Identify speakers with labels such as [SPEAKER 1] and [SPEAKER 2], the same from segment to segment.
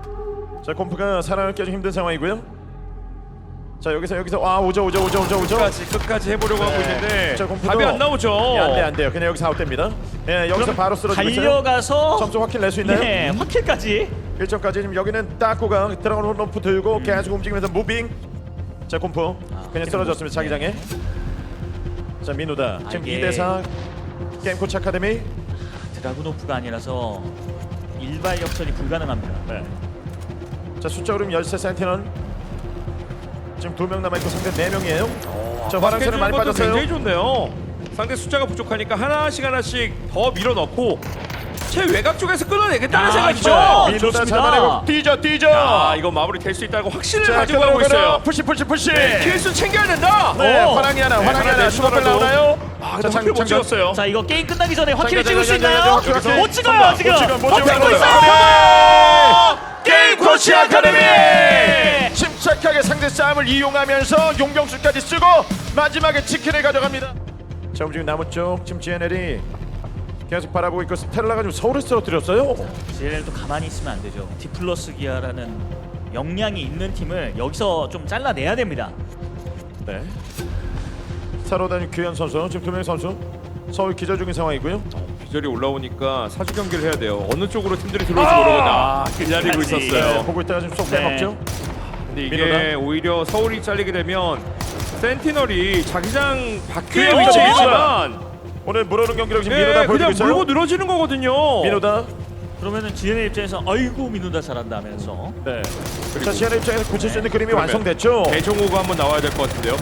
[SPEAKER 1] 자, 콤프가 살아남기 좀 힘든 상황이고요. 자, 여기서 오죠.
[SPEAKER 2] 끝까지 해보려고 하고 있는데
[SPEAKER 1] 자, 콤프도
[SPEAKER 2] 답이 안 나오죠.
[SPEAKER 1] 안 돼요. 그냥 여기서 아웃됩니다. 예, 여기서 바로 쓰러지고 있어요.
[SPEAKER 3] 달려가서
[SPEAKER 1] 점수 확킬 낼 수 있나요?
[SPEAKER 3] 네, 확킬까지.
[SPEAKER 1] 1점까지 지금 여기는 따꾸가 드라곤 홈프 들고 계속 움직이면서 무빙. 자, 콤프 그냥 쓰러졌습니다. 자기장에. 자, 민우다. 지금
[SPEAKER 3] 이게
[SPEAKER 1] 2대4 게임 코치 아카데미.
[SPEAKER 3] 드라구노프가 아니라서 일발 역전이 불가능합니다.
[SPEAKER 1] 네. 자, 숫자 흐름 13 센티널. 지금 2명 남아있고 상대 4명이에요. 자, 화랑새는 많이 빠졌어요.
[SPEAKER 2] 굉장히 좋네요. 상대 숫자가 부족하니까 하나씩 더 밀어넣고 최외곽 쪽에서 끊어내겠다는 생각이죠.
[SPEAKER 3] 이거
[SPEAKER 1] 민우다
[SPEAKER 3] 좋습니다.
[SPEAKER 1] 잡아내고 뛰죠.
[SPEAKER 2] 야, 이거 마무리 될 수 있다고 확신을
[SPEAKER 1] 자,
[SPEAKER 2] 가지고 가고 있어요.
[SPEAKER 1] 푸시.
[SPEAKER 2] 네, 킬수 챙겨야 된다.
[SPEAKER 1] 네,
[SPEAKER 3] 오.
[SPEAKER 1] 화랑이 하나, 슈퍼벨
[SPEAKER 2] 슈퍼벨
[SPEAKER 1] 나오나요?
[SPEAKER 2] 자, 장필 못 찍었어요.
[SPEAKER 3] 자, 이거 게임 끝나기 전에 확실히
[SPEAKER 1] 자,
[SPEAKER 3] 찍을 수
[SPEAKER 1] 자,
[SPEAKER 3] 있나요?
[SPEAKER 1] 자, 자,
[SPEAKER 3] 못 찍어요, 지금.
[SPEAKER 1] 못 찍어요.
[SPEAKER 3] 버티고 있어요.
[SPEAKER 1] 게임 코치 아카데미!
[SPEAKER 3] 네.
[SPEAKER 1] 침착하게 상대 싸움을 이용하면서 용병술까지 쓰고 마지막에 치킨을 가져갑니다. 자, 움직임 남은 쪽 지금 GNL이 계속 바라보고 있고 스텔라가 지금 서울에 쓰러뜨렸어요.
[SPEAKER 3] GNL도 가만히 있으면 안 되죠. 디플러스 기아라는 역량이 있는 팀을 여기서 좀 잘라내야 됩니다.
[SPEAKER 1] 네. 사로다니 규현 선수 지금 2명의 선수 서울 기절 중인 상황이고요.
[SPEAKER 2] 비절이 올라오니까 사주 경기를 해야 돼요. 어느 쪽으로 팀들이 들어올지 모르거나 기다리고
[SPEAKER 3] 끝까지.
[SPEAKER 2] 있었어요.
[SPEAKER 1] 보고 있다가 지금 쏙
[SPEAKER 3] 네.
[SPEAKER 1] 빼먹죠.
[SPEAKER 2] 근데 이게
[SPEAKER 1] 민호다.
[SPEAKER 2] 오히려 서울이 잘리게 되면 센티널이 자기장 밖에
[SPEAKER 1] 그래요.
[SPEAKER 2] 위치해 있지만
[SPEAKER 1] 오늘 물어는 경기력 지금 민호다 보여주고
[SPEAKER 2] 그냥
[SPEAKER 1] 있어요.
[SPEAKER 2] 물고 늘어지는 거거든요.
[SPEAKER 1] 민호다.
[SPEAKER 3] 그러면은 GNL 입장에서 아이고 민우다 잘한다 하면서
[SPEAKER 1] 네. 자, 시안의 입장에서 굳힐 수 있는 그림이
[SPEAKER 2] 그러면
[SPEAKER 1] 완성됐죠.
[SPEAKER 2] 대종호가 한번 나와야 될 것 같은데요.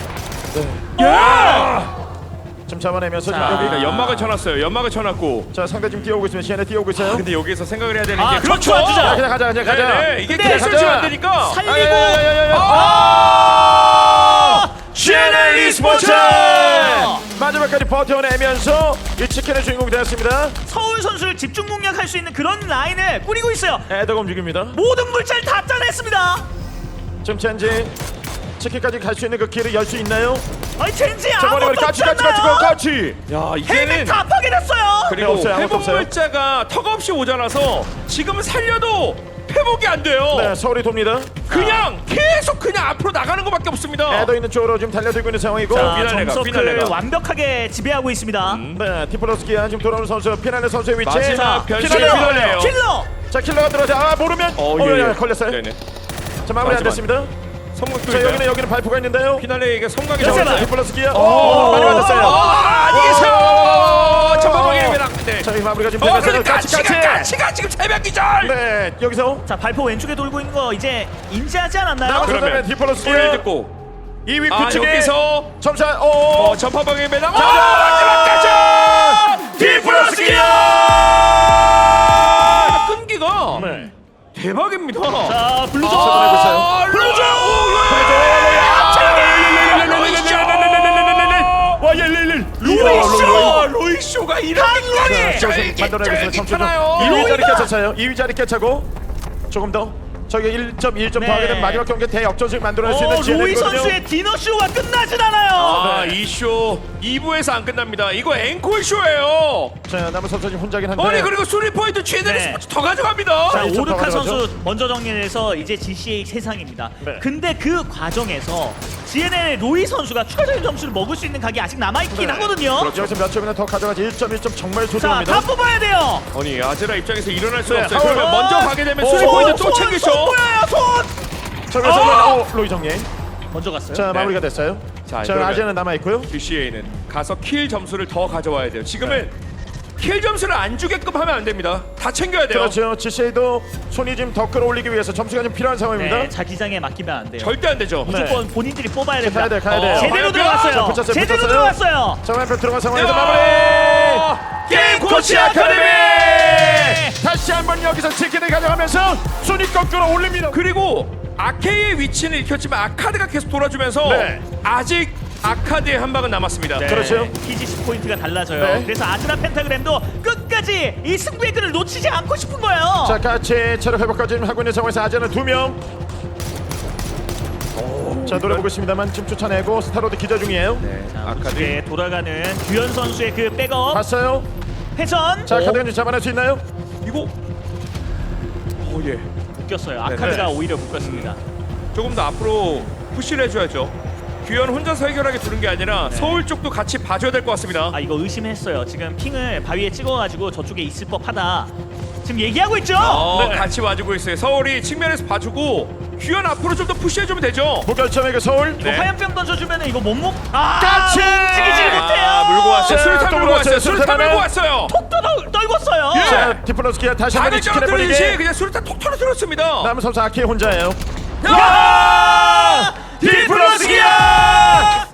[SPEAKER 1] 지금 잡아내면서
[SPEAKER 3] 자.
[SPEAKER 1] 지금 여기
[SPEAKER 2] 그러니까 연막을 쳐놨어요. 연막을 쳐놨고.
[SPEAKER 1] 자, 상대 지금 뛰어오고 있으면 시안에 뛰어오고 있어요.
[SPEAKER 2] 근데 여기서 생각을 해야 되는
[SPEAKER 3] 아,
[SPEAKER 2] 게 그렇죠.
[SPEAKER 3] 전투 안 주자.
[SPEAKER 1] 그냥 가자.
[SPEAKER 2] 네, 이게
[SPEAKER 3] 근데
[SPEAKER 2] 킬을 치면 안 되니까.
[SPEAKER 3] 살리고
[SPEAKER 1] GNL e스포츠
[SPEAKER 3] 아!
[SPEAKER 1] 마지막까지 버텨내면서 이 치킨의 주인공이 되었습니다.
[SPEAKER 3] 서울 선수를 집중 공략할 수 있는 그런 라인을 꾸리고 있어요.
[SPEAKER 1] 애덕 움직입니다.
[SPEAKER 3] 모든 물자를 다 짜냈습니다.
[SPEAKER 1] 지금 첸지 치킨까지 갈 수 있는 그 길을 열 수 있나요?
[SPEAKER 3] 아니 첸지
[SPEAKER 1] 자, 머리
[SPEAKER 3] 아무것도
[SPEAKER 1] 까치.
[SPEAKER 2] 야,
[SPEAKER 3] 헬멧
[SPEAKER 2] 이제는
[SPEAKER 3] 다 파괴됐어요.
[SPEAKER 2] 그리고
[SPEAKER 1] 없어요. 아무것도
[SPEAKER 2] 회복
[SPEAKER 1] 없어요.
[SPEAKER 2] 물자가 턱없이 오잖아서 지금은 살려도 회복이 안 돼요.
[SPEAKER 1] 네, 서울이 돕니다.
[SPEAKER 2] 그냥 계속 그냥 앞으로 나가는 것밖에 없습니다.
[SPEAKER 1] 애덕 있는 쪽으로 지금 달려들고 있는 상황이고.
[SPEAKER 3] 자,
[SPEAKER 2] 피날레가,
[SPEAKER 3] 점서클
[SPEAKER 2] 피날레가.
[SPEAKER 3] 완벽하게 지배하고 있습니다.
[SPEAKER 1] 네, 디플러스키야 지금 돌아오는 선수 피날레 선수의 위치.
[SPEAKER 2] 마지막 변신
[SPEAKER 1] 피날레.
[SPEAKER 2] 피날레예요.
[SPEAKER 3] 킬러.
[SPEAKER 1] 자, 킬러가 들어가자. 모르면
[SPEAKER 2] 예.
[SPEAKER 1] 걸렸어요.
[SPEAKER 2] 네네.
[SPEAKER 1] 자, 마무리 안
[SPEAKER 2] 마지막.
[SPEAKER 1] 됐습니다.
[SPEAKER 2] 성공도
[SPEAKER 1] 자,
[SPEAKER 2] 있어요.
[SPEAKER 1] 여기는 발포가 있는데요.
[SPEAKER 2] 피날레에게 성광이
[SPEAKER 3] 자,
[SPEAKER 2] 나왔어요.
[SPEAKER 1] 디플러스키야. 많이 맞았어요.
[SPEAKER 2] 안녕히 계세요. 전방방입니다. 네.
[SPEAKER 1] 자, 이 마무리가 지금 되면서
[SPEAKER 2] 그러니까
[SPEAKER 1] 같이.
[SPEAKER 2] 가치가 지금 새벽 기절.
[SPEAKER 1] 네, 여기서
[SPEAKER 3] 자, 발포 왼쪽에 돌고 있는 거 이제 인지하지 않았나요?
[SPEAKER 1] 남은
[SPEAKER 2] 그러면
[SPEAKER 1] 선수는 디플러스키야.
[SPEAKER 2] 소리를 듣고
[SPEAKER 1] 2위
[SPEAKER 2] 아
[SPEAKER 1] 구축에
[SPEAKER 2] 여기서
[SPEAKER 1] 점차
[SPEAKER 2] 전파방입니다.
[SPEAKER 1] 마지막까지 디플러스키야.
[SPEAKER 2] 끈기가
[SPEAKER 1] 네.
[SPEAKER 2] 대박입니다.
[SPEAKER 3] 자, 블루존.
[SPEAKER 1] 쳐다보고 있어요.
[SPEAKER 2] 블루존. 로이쇼가 이렇게까지
[SPEAKER 1] 만들어내고 있어요. 점수 좀.
[SPEAKER 2] 괜찮아요.
[SPEAKER 1] 2위 자리 깨쳤어요. 2위 자리 깨차고 조금 더 저기 1.1점
[SPEAKER 3] 네.
[SPEAKER 1] 더하게 되면 마지막 경기 대역전승 만들어낼 수 있는
[SPEAKER 3] 로이
[SPEAKER 1] GNL이거든요.
[SPEAKER 3] 선수의 디너쇼가 끝나진 않아요.
[SPEAKER 2] 아, 이 쇼 2부에서 안 끝납니다. 이거 앵콜 쇼예요.
[SPEAKER 1] 자, 남은 선수 지금 혼자긴 한데.
[SPEAKER 2] 아니 그리고 수리 포인트 GNL
[SPEAKER 3] 네.
[SPEAKER 2] 스포츠 더 가져갑니다.
[SPEAKER 3] 자,
[SPEAKER 1] 1점
[SPEAKER 3] 오르카
[SPEAKER 1] 더
[SPEAKER 3] 선수
[SPEAKER 1] 가져가죠.
[SPEAKER 3] 먼저 정리해서 이제 GCA 세상입니다.
[SPEAKER 1] 네.
[SPEAKER 3] 근데 그 과정에서 GNL 로이 선수가 추가적인 점수를 먹을 수 있는 각이 아직 남아있긴
[SPEAKER 1] 네.
[SPEAKER 3] 하거든요.
[SPEAKER 1] 여기서 몇 점이나 더 가져가지 1점 정말
[SPEAKER 3] 자,
[SPEAKER 1] 소중합니다.
[SPEAKER 3] 다 뽑아야 돼요.
[SPEAKER 2] 아니 아제라 입장에서 일어날 수가
[SPEAKER 1] 네,
[SPEAKER 2] 없어요.
[SPEAKER 1] 하울.
[SPEAKER 2] 그러면 먼저 가게 되면
[SPEAKER 1] 오,
[SPEAKER 2] 수리 포인트 또
[SPEAKER 3] 손
[SPEAKER 2] 챙기죠.
[SPEAKER 3] 보여요, 손.
[SPEAKER 1] 저기서 로이 정리.
[SPEAKER 3] 먼저 갔어요.
[SPEAKER 1] 자,
[SPEAKER 2] 네.
[SPEAKER 1] 마무리가 됐어요.
[SPEAKER 2] 자,
[SPEAKER 1] 자,
[SPEAKER 2] 그러면-
[SPEAKER 1] 아재는 남아 있고요.
[SPEAKER 2] GCA는 가서 킬 점수를 더 가져와야 돼요. 지금은 킬 점수를 안 주게끔 하면 안 됩니다. 다 챙겨야 돼요.
[SPEAKER 1] 그렇죠. GCA도 손이 좀 더 끌어올리기 위해서 점수가 좀 필요한 상황입니다.
[SPEAKER 3] 네, 자기장에 맡기면 안 돼요.
[SPEAKER 2] 절대 안 되죠.
[SPEAKER 3] 무조건 본인들이 뽑아야 됩니다.
[SPEAKER 1] 가야 돼, 가야 돼요.
[SPEAKER 3] 제대로
[SPEAKER 2] 자,
[SPEAKER 3] 들어갔어요.
[SPEAKER 1] 붙였어요,
[SPEAKER 3] 제대로
[SPEAKER 1] 붙였어요.
[SPEAKER 3] 들어갔어요.
[SPEAKER 1] 자, 왼편 들어간 상황에서
[SPEAKER 2] 야!
[SPEAKER 1] 마무리.
[SPEAKER 2] 게임 코치 아카데미!
[SPEAKER 1] 다시 한번 여기서 치킨을 가져가면서 순위 거꾸로 올립니다.
[SPEAKER 2] 그리고 아케이의 위치는 익혔지만 아카드가 계속 돌아주면서
[SPEAKER 1] 네.
[SPEAKER 2] 아직 아카드의 한 방은 남았습니다.
[SPEAKER 3] 네,
[SPEAKER 1] 그렇죠.
[SPEAKER 3] PGC 포인트가 달라져요.
[SPEAKER 1] 네.
[SPEAKER 3] 그래서 아즈라 펜타그램도 끝까지 이 승부의 끈을 놓치지 않고 싶은 거예요.
[SPEAKER 1] 자, 같이 체력 회복까지 지금 하고 있는 상황에서 아재는 2명. 자, 노래 보고 있습니다만 지금 쫓아내고 스타로드 기자 중이에요.
[SPEAKER 3] 자,
[SPEAKER 2] 아카드.
[SPEAKER 3] 우측에 돌아가는 규현 선수의 그 백업
[SPEAKER 1] 봤어요?
[SPEAKER 3] 회전.
[SPEAKER 1] 자, 카드가 잡아낼 수 있나요?
[SPEAKER 2] 이거 예.
[SPEAKER 3] 묶였어요. 아카드가
[SPEAKER 2] 네.
[SPEAKER 3] 오히려 묶였습니다.
[SPEAKER 2] 조금 더 앞으로 푸시를 해줘야죠. 규현 혼자서 해결하게 두는 게 아니라
[SPEAKER 3] 네.
[SPEAKER 2] 서울 쪽도 같이 봐줘야 될 것 같습니다.
[SPEAKER 3] 아 이거 의심했어요. 지금 핑을 바위에 찍어가지고 저쪽에 있을 법하다. 지금 얘기하고 있죠.
[SPEAKER 2] 네. 같이 와주고 있어요. 서울이 측면에서 봐주고 규현 앞으로 좀 더 푸시해주면 되죠.
[SPEAKER 1] 무결점의 그 서울.
[SPEAKER 3] 이거
[SPEAKER 2] 네.
[SPEAKER 3] 화염병 던져주면은 이거 못 먹. 아
[SPEAKER 1] 같이!
[SPEAKER 3] 움직이질 못해요.
[SPEAKER 2] 물고 왔어요.
[SPEAKER 1] 자,
[SPEAKER 2] 수류탄
[SPEAKER 1] 또
[SPEAKER 2] 물고 왔어요.
[SPEAKER 1] 수류탄
[SPEAKER 2] 수류탄 물고
[SPEAKER 1] 하나.
[SPEAKER 2] 왔어요.
[SPEAKER 3] 톡 떨궜어요.
[SPEAKER 2] 예.
[SPEAKER 1] 자, 디플러스 기아 다시 한번
[SPEAKER 2] 바늘
[SPEAKER 1] 치킨해
[SPEAKER 2] 떨어뜨리듯이
[SPEAKER 1] 버리게.
[SPEAKER 2] 그냥 수류탄 톡 터뜨렸습니다.
[SPEAKER 1] 남은 선수 아키 혼자예요.
[SPEAKER 2] 야!
[SPEAKER 1] 디플러스 기아!